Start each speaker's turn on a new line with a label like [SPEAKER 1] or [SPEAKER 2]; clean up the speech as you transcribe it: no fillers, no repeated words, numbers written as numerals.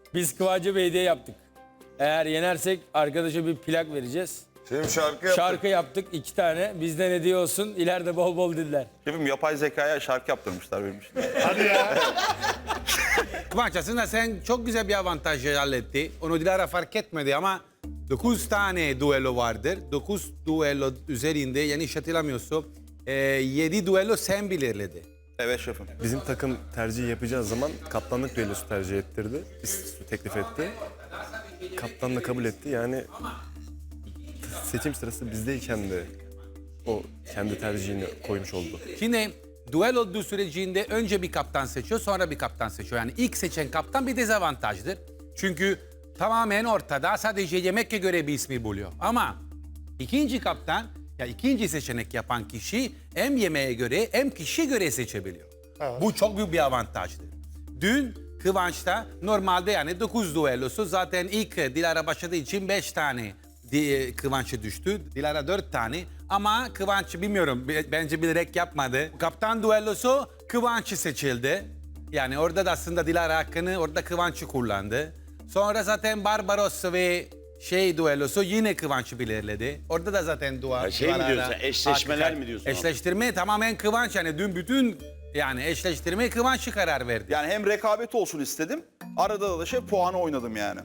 [SPEAKER 1] Biz Kıvanç'a bir hediye yaptık. Eğer yenersek arkadaşa bir plak vereceğiz.
[SPEAKER 2] Şimdi şarkı yaptık.
[SPEAKER 1] Şarkı yaptık 2 tane. Bizden hediye olsun. İleride bol bol diller.
[SPEAKER 3] Şefim yapay zekaya şarkı yaptırmışlar benim için.
[SPEAKER 4] Hadi ya.
[SPEAKER 5] Kıvanç aslında sen çok güzel bir avantaj halletti. Onu Dilara fark etmedi ama 9 tane duello vardır. 9 duello üzerinde yanlış hatırlamıyorsam 7 duello sen belirledi.
[SPEAKER 3] Evet şefim.
[SPEAKER 6] Bizim takım tercih yapacağı zaman kaptanlık düellosu tercih ettirdi. Teklif etti. Kaptan da kabul etti. Yani seçim sırası bizdeyken de o kendi tercihini koymuş oldu.
[SPEAKER 5] Şimdi duel olduğu sürecinde önce bir kaptan seçiyor, sonra bir kaptan seçiyor. Yani ilk seçen kaptan bir dezavantajdır. Çünkü tamamen ortada sadece yemekke göre bir ismi buluyor. Ama ikinci kaptan, ya ikinci seçenek yapan kişi hem yemeğe göre hem kişiye göre seçebiliyor. Bu çok büyük bir avantajdır. Dün Kıvanç'ta normalde yani 9 duellosu zaten ilk Dilara başladığı için 5 tane Kıvanç'a düştü. Dilara 4 tane ama Kıvanç bilmiyorum bence bilerek yapmadı. Kaptan duellosu Kıvanç seçildi. Yani orada da aslında Dilara hakkını orada Kıvanç'ı kullandı. Sonra zaten Barbaros ve duellosu yine Kıvanç'ı belirledi. Orada da zaten
[SPEAKER 4] Şey mi diyorsun, eşleşmeler mi diyorsun?
[SPEAKER 5] Eşleştirme tamamen Kıvanç yani dün bütün yani eşleştirme Kıvanç'ı karar verdi.
[SPEAKER 3] Yani hem rekabet olsun istedim. Arada da şey puanı oynadım yani.